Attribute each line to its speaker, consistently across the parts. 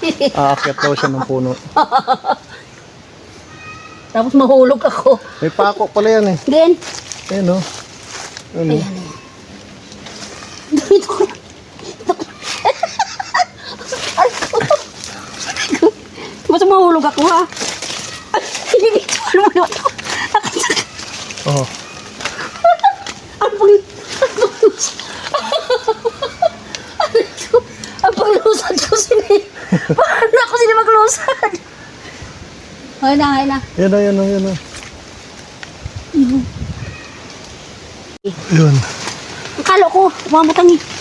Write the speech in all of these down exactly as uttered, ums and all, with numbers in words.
Speaker 1: Aakyat daw siya ng puno.
Speaker 2: Tapos mahulog ako.
Speaker 1: May pako pala yan eh.
Speaker 2: Then,
Speaker 1: Ayan o. Ano?
Speaker 2: ayan, ayan. Dito ko. Basta mahulog ako ha. Ay, hindi dito. Ano mo naman ito?
Speaker 1: Oh.
Speaker 2: Ang pag... Ang paglusad ko sini. Paano ako sini maglusad? Ay na, ay na.
Speaker 1: Yan na, yan na, yan na. Yun.
Speaker 2: Ang kalo ko, mamatang eh.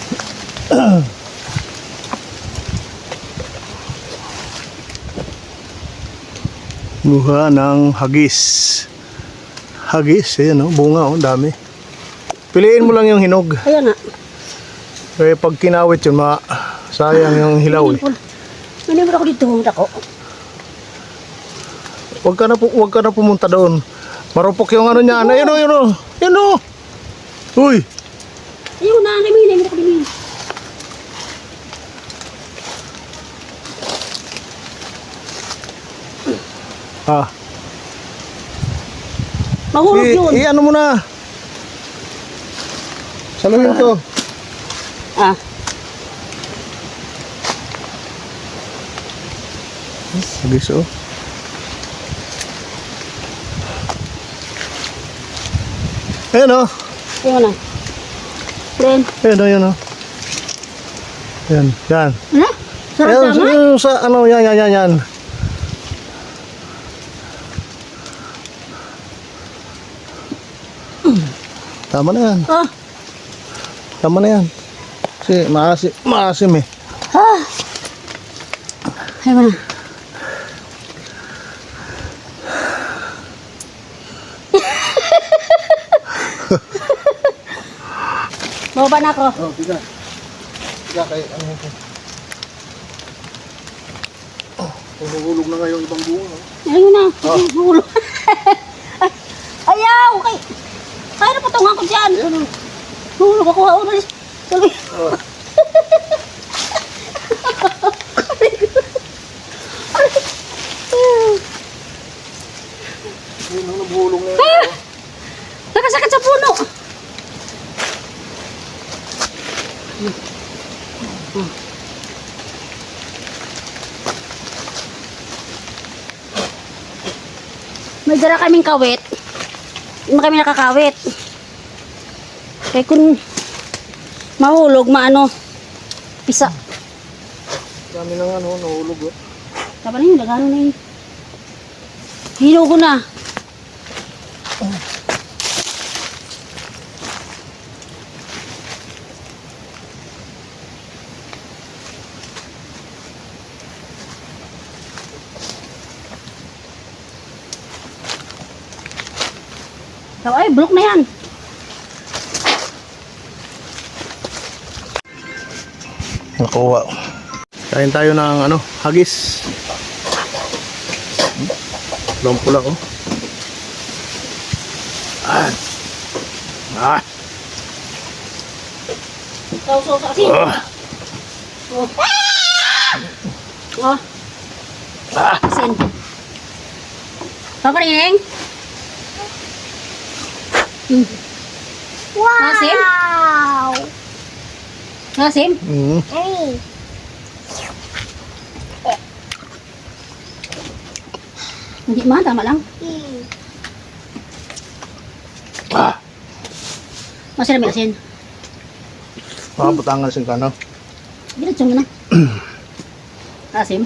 Speaker 1: Buha ng hagis. Hagis, ayan o, bunga o, dami. Piliin mo lang yung hinog.
Speaker 2: Ayan nga.
Speaker 1: Kaya pag kinawit yun, ma sayang yung hilaw eh.
Speaker 2: Nanimod ako dito, humunta ko.
Speaker 1: Huwag ka na, pu huwag ka na pumunta doon. Marupok yung ano niya. Ayun o, ayun o. Ayun o. Uy.
Speaker 2: Ayun na, nanimod, nanimod ako din.
Speaker 1: Ah.
Speaker 2: Mahulog
Speaker 1: I,
Speaker 2: yun.
Speaker 1: i ano mo na. Saluhin to.
Speaker 2: Ah.
Speaker 1: Hagis o. Ayun o.
Speaker 2: Ayun na. Then,
Speaker 1: Ayun o, ayun o. Yan, yan.
Speaker 2: ano? Sarap
Speaker 1: Ayun,
Speaker 2: tama?
Speaker 1: yung sa ano, yan, yan, yan, yan. Tama na yan.
Speaker 2: Ah.
Speaker 1: Tama na yan. Kasi maasim, maasim eh.
Speaker 2: Ah. Ayun na. Baba na ako.
Speaker 1: Oh, tiga. Tiga kay ano ito. Oh, humuhulog na nga yung ibang bunga. No?
Speaker 2: Ayun na.
Speaker 1: Ah.
Speaker 2: Hulog. Ay, ayaw. Okay. Kaya na patungan ko dyan.
Speaker 1: Ayan o.
Speaker 2: Hulog ako. Hulog. Sabi.
Speaker 1: Oh. Ayun o, nabuhulog na yan.
Speaker 2: Ah! Nakasakit sa puno. May dala kaming kawit. Hindi kami nakakawit. Kaya kung mahulog, maano, pisa.
Speaker 1: Dami na nga no, nahulog o.
Speaker 2: Tama na yun, lagano na yun. Hinugo na. So, ay, bulok na yan.
Speaker 1: Nakuha. Kain tayo ng ano, hagis. Long pula oh. Ah. Ah.
Speaker 2: So, so, so, asin.
Speaker 1: Ah.
Speaker 2: Oh. Oh.
Speaker 1: Ah.
Speaker 2: Asin. Papa rin. Hmm.
Speaker 3: Wow!
Speaker 2: Asim?
Speaker 1: Mm.
Speaker 3: Hey!
Speaker 2: Hindi man, tama lang.
Speaker 3: Hmm.
Speaker 1: Ah.
Speaker 2: Masarap yung asin.
Speaker 1: Mga butangan sin kano.
Speaker 2: Diretso mo na. Asim.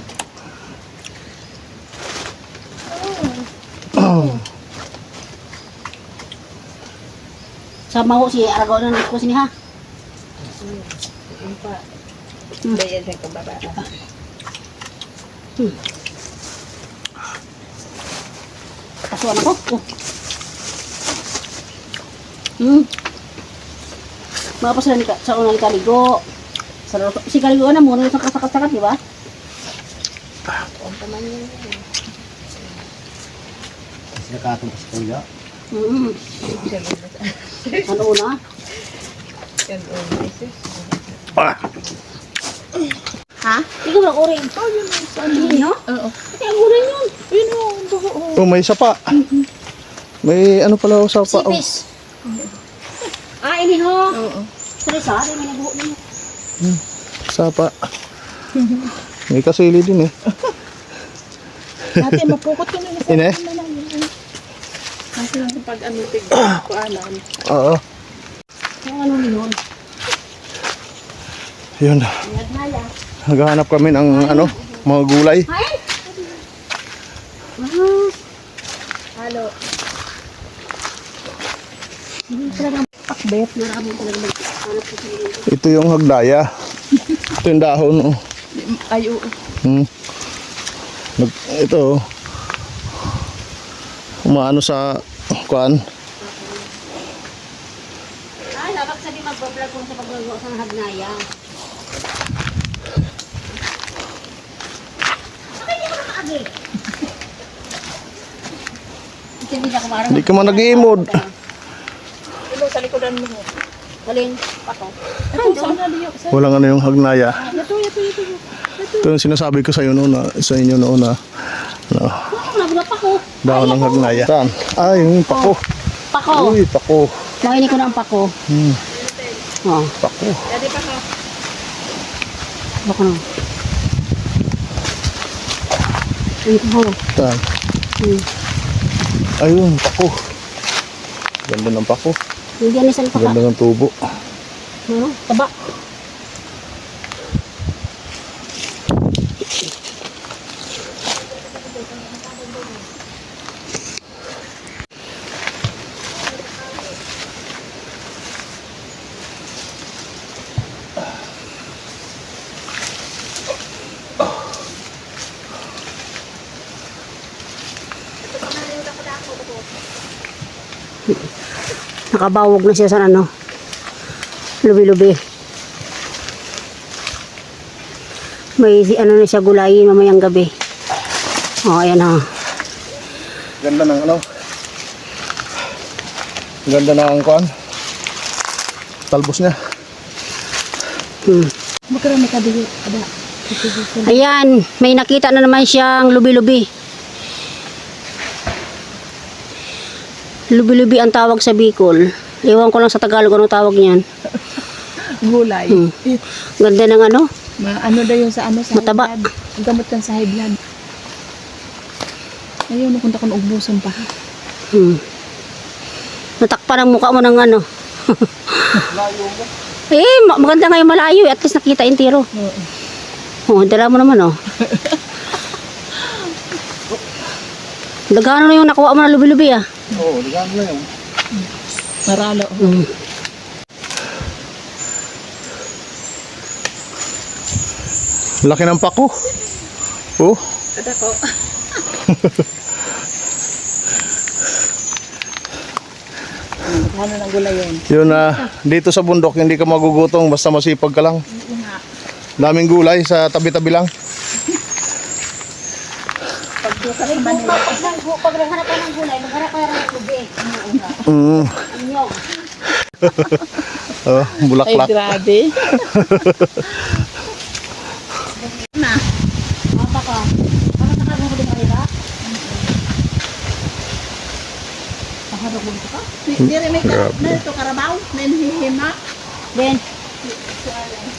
Speaker 2: Sama ko si Aragon na ko sini ha. Hmm.
Speaker 3: Bayad sa kababa.
Speaker 2: Hmm. Kasuan ako. Oh. Hmm. Mga pa sila ni sa unang kaligo. Sa si kaligo na muna sa kasakat-sakat, di ba?
Speaker 3: Ang paman yun.
Speaker 1: Kasi katong sa kuya.
Speaker 2: Mm. Ano una?
Speaker 1: Ah.
Speaker 3: Ha?
Speaker 2: Ikaw lang orin.
Speaker 3: Oh, yun ang saan.
Speaker 2: Hindi, no?
Speaker 3: Oo.
Speaker 2: Kaya ang gulay yun.
Speaker 3: Yun ang buho. oh.
Speaker 1: Oh, may sapa. May ano pala oh, sapa. Oh.
Speaker 2: Sipis. Ah, ini ho.
Speaker 3: Oo.
Speaker 2: Tres ha, may nabuho na yun.
Speaker 1: Sapa. May kasili din eh.
Speaker 3: Ate, mapukot ka na sa
Speaker 1: Ine?
Speaker 3: Kasi lang pag ano, tig ko alam.
Speaker 1: Oo.
Speaker 2: Yung ano yun?
Speaker 1: Yun.
Speaker 2: Nagnaya.
Speaker 1: Naghahanap kami ng ano, mga gulay.
Speaker 2: Ay! Ah,
Speaker 3: Halo.
Speaker 2: hindi talaga pakbet. Marami talaga maghanap ko sa mga.
Speaker 1: Ito yung hagdaya. Ito yung dahon. Oh.
Speaker 3: Ay, oo.
Speaker 1: Hmm. Nag, ito. oh. Umaano sa kuan.
Speaker 2: Ah, dapat sabi mag-vlog kung sa pag-vlog sa hagnaya. Bakit hindi mo nakaagi? Hindi na kumarang.
Speaker 1: Hindi ka man nag-iimod.
Speaker 3: Ilo, sa likodan mo.
Speaker 2: Galing, pato.
Speaker 3: Ito, saan na liyo? Sa...
Speaker 1: Walang ano yung hagnaya.
Speaker 3: Ito, ito, ito.
Speaker 1: Ito yung sinasabi ko sa iyo noon na sa inyo noon na ano,
Speaker 2: Ano, nabulap ako.
Speaker 1: dahon ng hagnaya. Saan? Ah, yung pako.
Speaker 2: Pako.
Speaker 1: Uy, pako.
Speaker 2: Makinig ko na ang pako.
Speaker 1: Hmm,
Speaker 2: Oh,
Speaker 1: pako.
Speaker 3: Dati pa ka.
Speaker 2: baka na. Ay, ko.
Speaker 1: Saan?
Speaker 2: Hmm.
Speaker 1: Ayun, pako. Ganda ng pako.
Speaker 2: Hindi yan isang paka.
Speaker 1: Ganda ng tubo.
Speaker 2: Ano? Taba. Nakabawog na siya sa ano. Lubi-lubi. May si- ano na siya gulayin mamayang gabi. Oh, ayan ha.
Speaker 1: Ganda ng ano? Ganda ng kuan. Talbos niya.
Speaker 2: Hmm.
Speaker 3: Magkarami ka dito. Ada.
Speaker 2: Ayan, may nakita na naman siyang lubi-lubi. Lubi-lubi ang tawag sa Bicol. Iwan ko lang sa Tagalog anong tawag niyan.
Speaker 3: Gulay.
Speaker 2: Hmm.
Speaker 3: Eh,
Speaker 2: Ganda ng ano.
Speaker 3: Ma ano daw yung sa ano sa
Speaker 2: Mataba.
Speaker 3: high blood. Ang gamot kan sa high blood. Ayun, nakunta ko ng ubusan pa.
Speaker 2: Hmm. Natakpan ang mukha mo ng ano. Eh, ma- maganda nga yung malayo. At least nakita yung tiro.
Speaker 3: Oo.
Speaker 2: Oh, dala mo naman oh. Dagano na yung nakuha mo na lubi-lubi ah.
Speaker 1: Oo, oh, ganda na yun.
Speaker 3: Maralo.
Speaker 2: Hmm.
Speaker 1: Laki ng pako. Oh.
Speaker 3: Ada ko. Ano ng gulay yun?
Speaker 1: Yun na, dito sa bundok hindi ka magugutong basta masipag ka lang.
Speaker 3: Oo nga.
Speaker 1: Daming gulay sa tabi-tabi lang.
Speaker 3: Pag doon ka rin Manila.
Speaker 2: Pag naghanap ka ng gulay, maghanap ka ng lubi.
Speaker 1: Mm.
Speaker 2: Inyo.
Speaker 1: Oh,
Speaker 3: Ay,
Speaker 1: bulaklak.
Speaker 3: grabe. Na.
Speaker 2: Apa ka? Ano sa kagong ko din kanila? Paharap mo dito ka?
Speaker 3: Di rin may
Speaker 1: Grabe.
Speaker 3: na ito karabaw. Nanhihima.
Speaker 2: Ben.